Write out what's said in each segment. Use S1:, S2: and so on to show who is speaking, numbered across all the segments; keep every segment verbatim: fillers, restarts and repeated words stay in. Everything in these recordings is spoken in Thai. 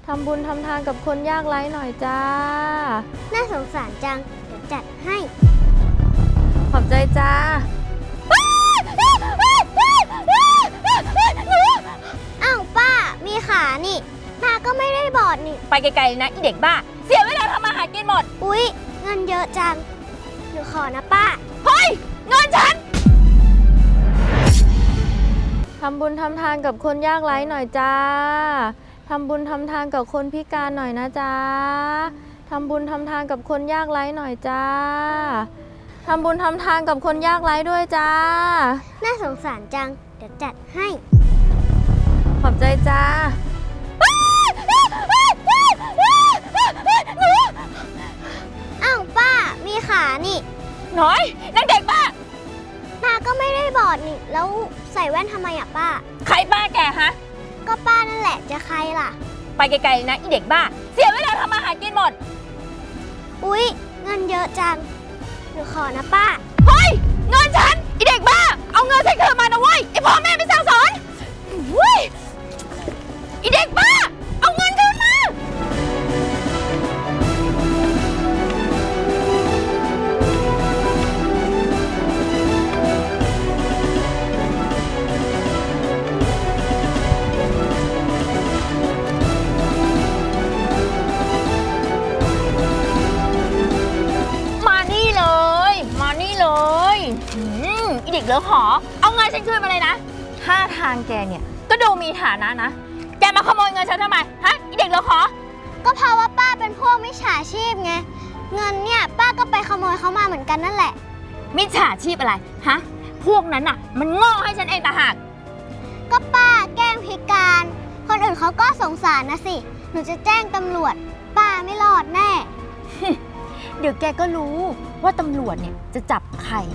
S1: ทำบุญทำทานกับคนยากไร้หน่อยจ้า
S2: น่าสงสารจังเดี๋ยวจัดให้
S1: ขอบใจจ้า
S2: อ้าวป้ามีขานี่ตาก็ไม่ได้บอดนี่
S3: ไปไกลๆนะอีเด็กบ้าเสียเวลาทำมาหากินหมด
S2: อุ๊ยเงินเยอะจังหนูขอนะป้า
S3: เฮ้ยเงินฉัน
S1: ทำบุญทำทานกับคนยากไร้หน่อยจ้าทำบุญทำทานกับคนพิการหน่อยนะจ้าทำบุญทำทานกับคนยากไร้หน่อยจ้าทำบุญทำทานกับคนยากไร้ด้วยจ้า
S2: น่าสงสารจังเดี๋ยวจัดให้
S1: ขอบใจจ้า
S2: อ้าวป้ามีขานี่
S3: น้อยนักเด็กบ้า
S2: ตาก็ไม่ได้บอดนี่แล้วใส่แว่นทำไมอะป้า
S3: ใครบ้าแกฮะ
S2: ก็ป้านั่นแหละจะใครล่ะ
S3: ไปไกลๆนะอีเด็กบ้าเสียเวลาทำมาหากินหมด
S2: อุ๊ยเงินเยอะจังหนูขอนะป้า
S3: เฮ้ยเงินฉันอีเด็กบ้าเอาเงินฉันคืนมานะเว้ยไอพ่อแม่ไม่สั่งสอนเว้ยอีเด็กบ้าเอาเงินคืนมาอีเด็กเหลือขอเอาเงินฉันคืนมาเลยนะท่าทางแกเนี่ยก็ดูมีฐานะนะแกมาขโมยเงินฉันทำไมฮะอีเด็กเหลือขอ
S2: ก็เพราะว่าป้าเป็นพวกมิจฉาชีพไงเงินเนี่ยป้าก็ไปขโมยเขามาเหมือนกันนั่นแหละ
S3: มิจฉาชีพอะไรฮะพวกนั้นน่ะมันโง่ให้ฉันเองต่างหาก
S2: ก็ป้าแกล้งพิการคนอื่นเขาก็สงสารนะสิหนูจะแจ้งตำรวจป้าไม่รอดแน่
S3: เดี๋ยวแกก็รู้ว่าตำรวจเนี่ยจะจับใคร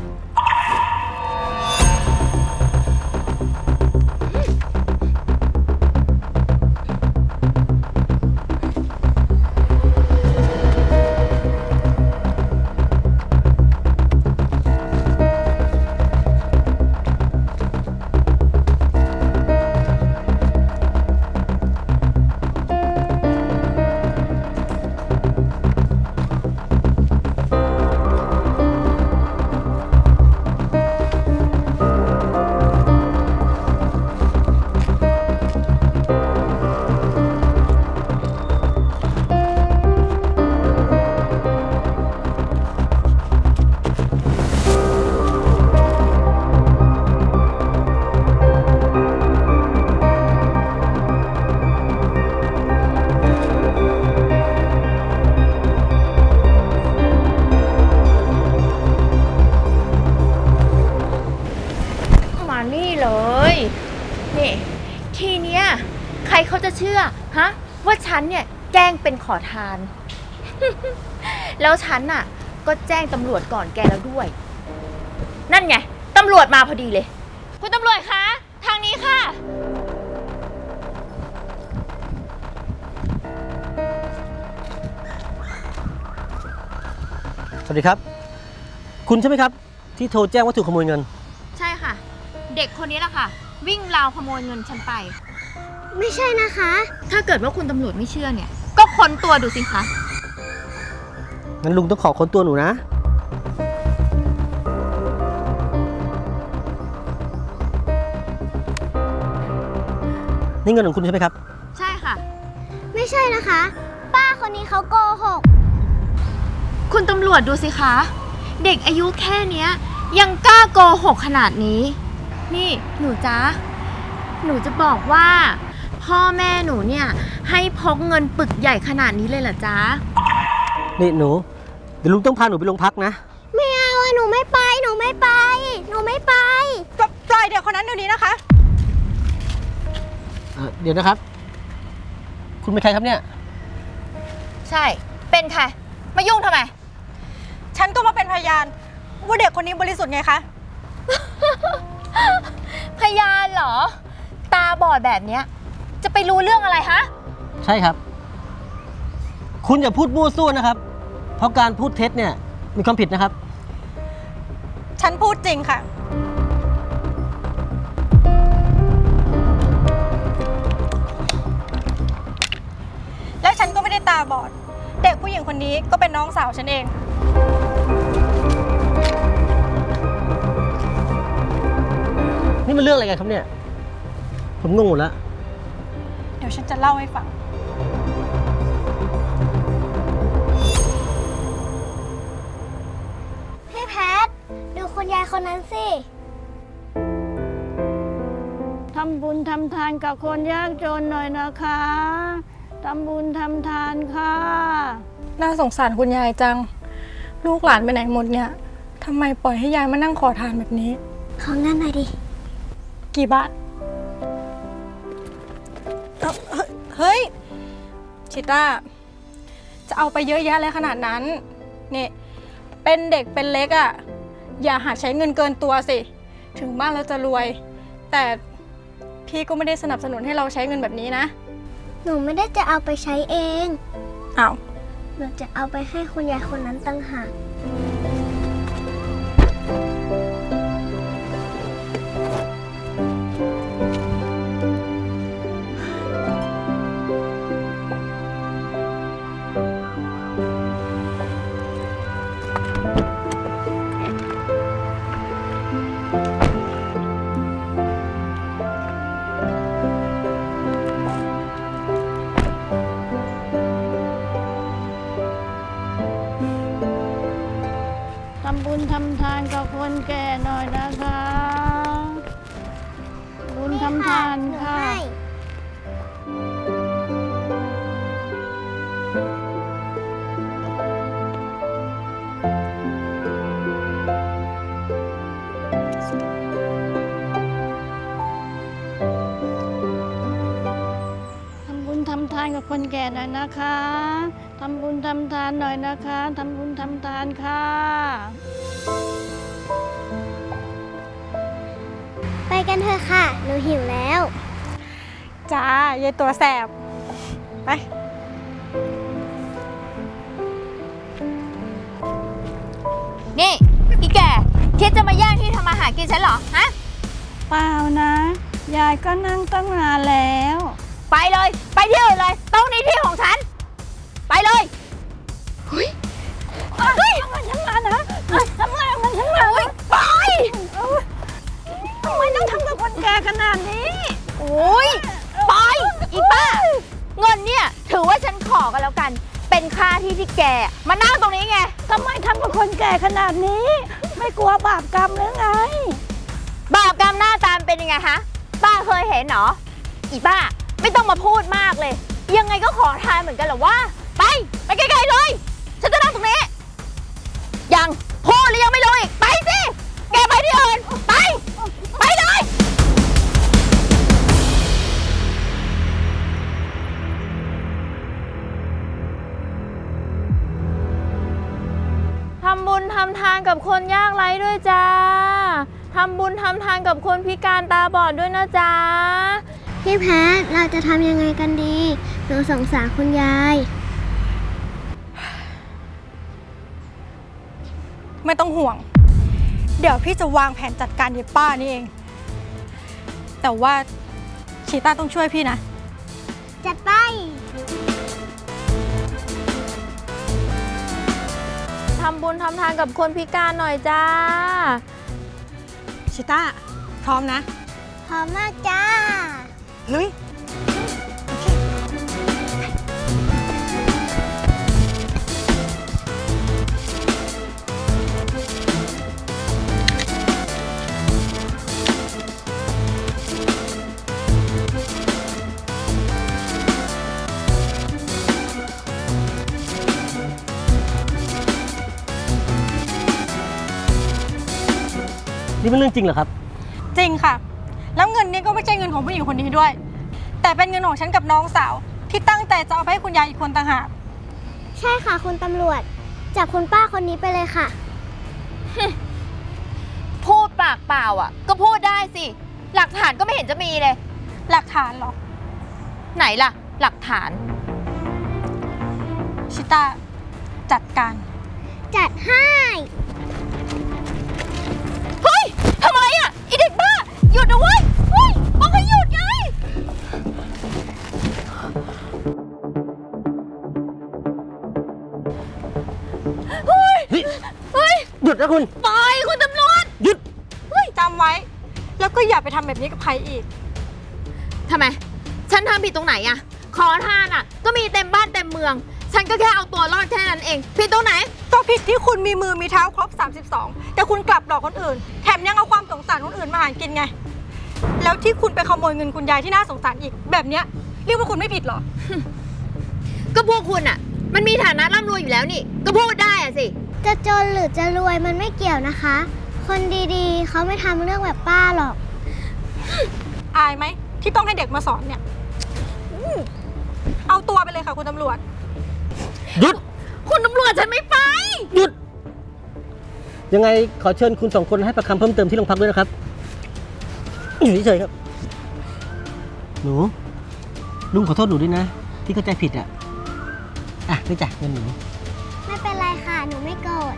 S3: นี่ทีเนี้ยใครเขาจะเชื่อฮะว่าฉันเนี่ยแกล้งเป็นขอทาน แล้วฉันน่ะก็แจ้งตำรวจก่อนแกแล้วด้วยนั่นไงตำรวจมาพอดีเลยคุณตำรวจคะทางนี้ค่ะ
S4: สวัสดีครับคุณใช่ไหมครับที่โทรแจ้งว่าถูกขโมยเงิน
S3: ใช่ค่ะเด็กคนนี้แหละค่ะวิ่งราวขโมยเงินฉันไป
S2: ไม่ใช่นะคะ
S3: ถ้าเกิดว่าคุณตำรวจไม่เชื่อเนี่ยก็ค้นตัวดูสิคะ
S4: งั้นลุงต้องขอค้นตัวหนูนะนี่เงินของคุณใช่ไหมครับ
S3: ใช่ค่ะ
S2: ไม่ใช่นะคะป้าคนนี้เขาโกหก
S3: คุณตำรวจดูสิคะเด็กอายุแค่เนี้ยยังกล้าโกหกขนาดนี้นี่หนูจ๊ะหนูจะบอกว่าพ่อแม่หนูเนี่ยให้พกเงินปึกใหญ่ขนาดนี้เลยเหรอจ๊ะ
S4: นี่หนูเดี๋ยวลุงต้องพาหนูไปโรงพักนะ
S2: ไม่เอาหนูไม่ไปหนูไม่ไปหนูไม่ไป
S3: ปล่อยเด็กคนนั้นเดี๋ยวนี้นะคะ
S4: เอ่อเดี๋ยวนะครับคุณเป็นใครครับเนี่ย
S3: ใช่เป็นใครมายุ่งทำไม
S5: ฉันก็มาเป็นพยานว่าเด็กคนนี้บริสุทธิ์ไงคะ
S3: พยานเหรอตาบอดแบบเนี้ยจะไปรู้เรื่องอะไรฮะ
S4: ใช่ครับคุณอย่าพูดมั่วซั่วนะครับเพราะการพูดเท็จเนี่ยมีความผิดนะครับ
S5: ฉันพูดจริงค่ะ
S3: น
S5: ตาบอด เด็กผู้หญิงคนนี้ก็เป็นน้องสาวฉันเอง
S4: นี่มันเรื่องอะไรกันครับเนี่ย ผมงงหมดแล้ว
S5: เดี๋ยวฉันจะเล่าให้ฟัง
S2: พี่แพท ดูคุณยายคนนั้นสิ
S6: ทำบุญทำทานกับคนยากจนหน่อยนะคะ ทำบุญทำทานค่ะ
S5: น่าสงสารคุณยายจัง ลูกหลานไปไหนหมดเนี่ยทำไมปล่อยให้ยายมานั่งขอทานแบบนี้
S2: ของนั่นหน่อยดิ
S5: กี่บาทเอ้าเฮ้ยเฮ้ย ชิต้า จะเอาไปเยอะแยะเลยขนาดนั้น นี่ เป็นเด็กเป็นเล็กอะ่ะ อย่าหาใช้เงินเกินตัวสิ ถึงบ้านเราจะรวย แต่พี่ก็ไม่ได้สนับสนุนให้เราใช้เงินแบบนี้นะ
S2: หนูไม่ได้จะเอาไปใช้เอง
S5: อ้าว
S2: หนูจะเอาไปให้คุณยายคนนั้นตั้งหาก
S6: ทำบุญทำทานกับคนแก่หน่อยนะคะ บุญทำทานค่ะ ทำบุญทำทานกับคนแก่หน่อยนะคะ ทำบุญทำทานหน่อยนะคะ ทำบุญทำทานค่ะ
S2: ไปกันเถอะค่ะ หนูหิวแล้ว
S5: จ้ายายตัวแสบ ไป
S3: นี่อีแก่คิดจะมาแย่งที่ทำมาหากินฉันเหรอ ฮะ
S6: เปล่านะ ยายก็นั่งตั้งนานแล้ว
S3: ไปเลย ไปที่อื่นเลยตรงนี้ที่ของฉัน ไปเลยเฮ้ยเฮ้ยทำไมฉันมานะทำไมมันฉันมาไป
S6: ทำไมต้องทำกับคนแก่ขนาดนี้
S3: โอ้ยไปอีป้า เงินเนี่ยถือว่าฉันขอกันแล้วกัน เป็นค่าที่ที่แกมานั่งตรงนี้ไง
S6: ทำไมทำกับคนแก่ขนาดนี้ ไม่กลัวบาปกรรมหรือไง
S3: บาปกรรมหน้าตามเป็นยังไงฮะ ป้าเคยเห็นเหรอ อีป้าไม่ต้องมาพูดมากเลย ยังไงก็ขอทานเหมือนกันเหรอวะไปไปไกลๆเลย ฉันจะนั่งตรงนี้ ยังพูดหรือยังไม่รู้อีกไปสิ แกไปที่อื่นไป ไปเลย
S1: ทำบุญทำทานกับคนยากไร้ด้วยจ้า ทำบุญทำทานกับคนพิการตาบอดด้วยนะจ๊ะ
S2: พี่แพท เราจะทำยังไงกันดี หนูสงสารคุณยาย
S5: ไม่ต้องห่วง เดี๋ยวพี่จะวางแผนจัดการยายป้านี่เอง แต่ว่าชีต้าต้องช่วยพี่นะ
S2: จัดไป
S1: ทำบุญทำทานกับคนพิการหน่อยจ้า
S5: ชิต้า พร้อมนะ
S2: พร้อมมากจ้า
S5: ลุย
S4: นี่เป็นเรื่องจริงเหรอครับ
S5: จริงค่ะ แล้วเงินนี้ก็ไม่ใช่เงินของผู้หญิงคนนี้ด้วย แต่เป็นเงินของฉันกับน้องสาว ที่ตั้งใจจะเอาไปให้คุณยายอีกคนต่างหาก
S2: ใช่ค่ะคุณตำรวจ จับคุณป้าคนนี้ไปเลยค่ะ
S3: พูดปากเปล่าอ่ะ ก็พูดได้สิ หลักฐานก็ไม่เห็นจะมีเลย
S5: หลักฐานเหรอ
S3: ไหนล่ะ หลักฐาน
S5: ชิต้า จัดการ
S2: จัดให้
S3: เฮ้ย ทำอะไรอ่ะอีเด็กบ้า หยุดนะเว้ยเฮ้ยบอกให้หยุดไง
S4: เฮ้ยเฮ้ยหยุดนะคุณ
S3: ปล่อยคุณตำรวจ
S4: หยุด
S5: จำไว้ แล้วก็อย่าไปทำแบบนี้กับใครอีก
S3: ทำไม ฉันทำผิดตรงไหนอะขอทานอะก็มีเต็มบ้านเต็มเมือง ฉันก็แค่เอาตัวรอดแค่นั้นเอง ผิดตรงไหน
S5: ก็ผิดที่คุณมีมือมีเท้าครบ สามสิบสอง แต่คุณกลับหลอกคนอื่น แถมยังเอาความสงสารคนอื่นมาหากินไง แล้วที่คุณไปขโมยเงินคุณยายที่น่าสงสารอีก แบบเนี้ยเรียกว่าคุณไม่ผิดเหรอ
S3: ก็พวกคุณอะมันมีฐานะร่ำรวยอยู่แล้วนี่ ก็พูดได้อะสิ
S2: จะจนหรือจะรวยมันไม่เกี่ยวนะคะ คนดีๆ เขาไม่ทำเรื่องแบบป้าหรอก
S5: อายไหมที่ต้องให้เด็กมาสอนเนี่ยอืมเอาตัวไปเลยค่ะคุณตำรวจ
S4: หยุด
S3: คุณตำรวจฉันไม่ไป
S4: หยุด ยังไงขอเชิญคุณสองคนให้ประคำเพิ่มเติมที่โรงพักด้วยนะครับ อยู่เฉยๆครับ หนู ลุงขอโทษหนูด้วยนะ ที่เข้าใจผิดอ่ะ อ่ะนี่จ้ะเงินหนู
S2: ไม่เป็นไรค่ะ หนูไม่โกรธ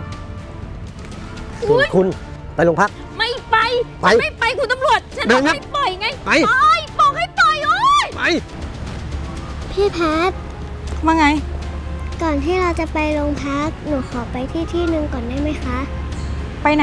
S4: ส่วนคุณไปโรงพัก
S3: ไม่ไป
S4: ไป
S3: ฉันไม่ไปคุณตำรวจ ฉัน
S4: เดิ
S3: บอน ก
S4: ครับ
S3: ให้ปล่อยไง
S4: ไป
S3: ปล่อยบอกให้ปล่อยโอ๊ย
S4: ไป
S2: พี่แพท
S5: ว่าไง
S2: ก่อนที่เราจะไปโรงพัก หนูขอไปที่ที่หนึ่งก่อนได้ไหมคะ
S5: ไปไหน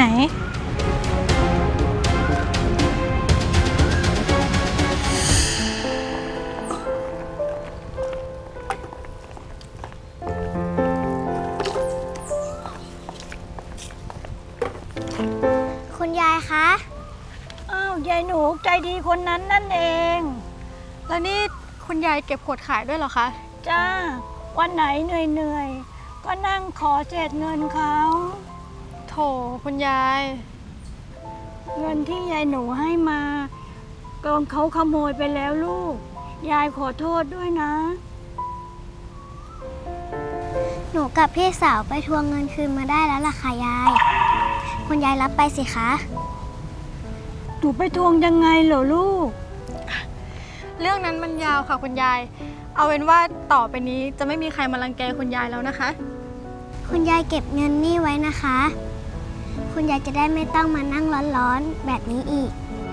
S2: คุณยายคะ
S6: อ้าวยายหนูใจดีคนนั้นนั่นเอง
S5: แล้วนี่คุณยายเก็บขวดขายด้วยเหรอคะ
S6: จ้า วันไหนเหนื่อยๆ ก็นั่งขอเศษเงินเขา
S5: โถคุณยาย
S6: เงินที่ยายหนูให้มาโดนเขาขโมยไปแล้วลูก ยายขอโทษด้วยนะ
S2: หนูกับพี่สาวไปทวงเงินคืนมาได้แล้วล่ะค่ะยาย คุณยายรับไปสิคะ
S6: หนูไปทวงยังไงเหรอลูก
S5: เรื่องนั้นมันยาวค่ะคุณยาย เอาเป็นว่าต่อไปนี้จะไม่มีใครมารังแกคุณยายแล้วนะคะ
S2: คุณยายเก็บเงินนี่ไว้นะคะ คุณยายจะได้ไม่ต้องมานั่งร้อนๆแบบนี้อีก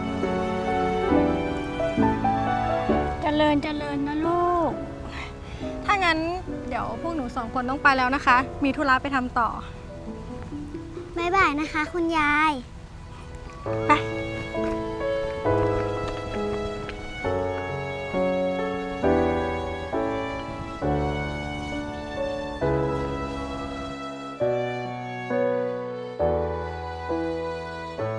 S6: เจริญเจริญนะลูก
S5: ถ้างั้นเดี๋ยวพวกหนูสองคนต้องไปแล้วนะคะ มีธุระไปทำต่อ
S2: บ๊ายบายนะคะ คุณยาย
S5: ไป